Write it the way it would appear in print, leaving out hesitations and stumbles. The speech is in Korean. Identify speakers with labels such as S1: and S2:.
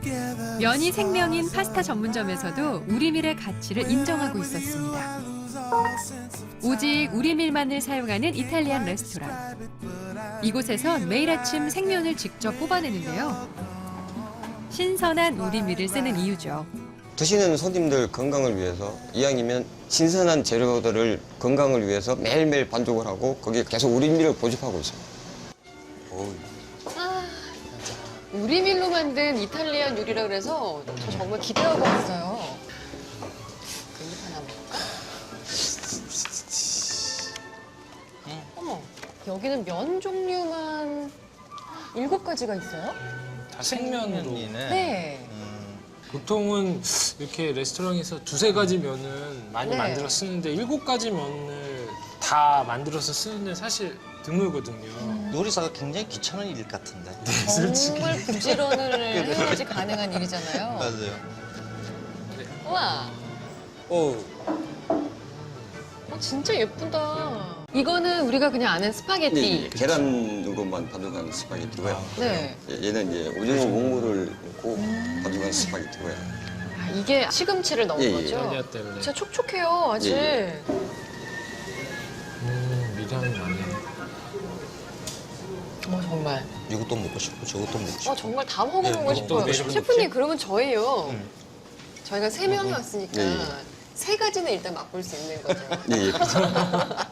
S1: 면이 생명인 파스타 전문점에서도 우리밀의 가치를 인정하고 있었습니다. 오직 우리밀만을 사용하는 이탈리안 레스토랑. 이곳에선 매일 아침 생면을 직접 뽑아내는데요. 신선한 우리밀을 쓰는 이유죠.
S2: 드시는 손님들 건강을 위해서 이왕이면 신선한 재료들을 건강을 위해서 매일매일 반죽을 하고 거기에 계속 우리밀을 고집하고 있습니다.
S3: 우리밀로 만든 이탈리안 요리라 그래서 저 정말 기대하고 왔어요. 깻잎 하나 먹을까? 어머, 여기는 면 종류만 7가지가 있어요?
S4: 다 생면으로.
S3: 네.
S4: 보통은 이렇게 레스토랑에서 2-3가지 면은 많이
S3: 네.
S4: 만들어 쓰는데 7가지 면을 다 만들어서 쓰는 사실 드물거든요.
S5: 요리사가 굉장히 귀찮은 일 같은데.
S3: 정말 부지런을 해야지 가능한 일이잖아요.
S5: 맞아요.
S3: 우와, 진짜 예쁘다. 이거는 우리가 그냥 아는 스파게티.
S2: 계란으로만 반죽한 스파게티고요.
S3: 네.
S2: 얘는 이제 오징어 몽골을 넣고 반죽한 스파게티고요.
S3: 아, 이게 시금치를 넣은
S2: 예, 예.
S3: 거죠?
S4: 이탈리아 때문에.
S3: 진짜 촉촉해요, 아직.
S2: 예,
S4: 미량이 많네.
S3: 정말.
S5: 이것도 먹고 싶고 저것도 먹고 싶고.
S3: 정말 다 먹어보고
S5: 네,
S3: 싶어요.
S4: 먹고 싶어요.
S3: 셰프님, 그러면 저예요. 저희가 3명이 왔으니까
S2: 예, 예.
S3: 3가지는 일단 맛볼 수 있는 거죠.
S2: 예, 예.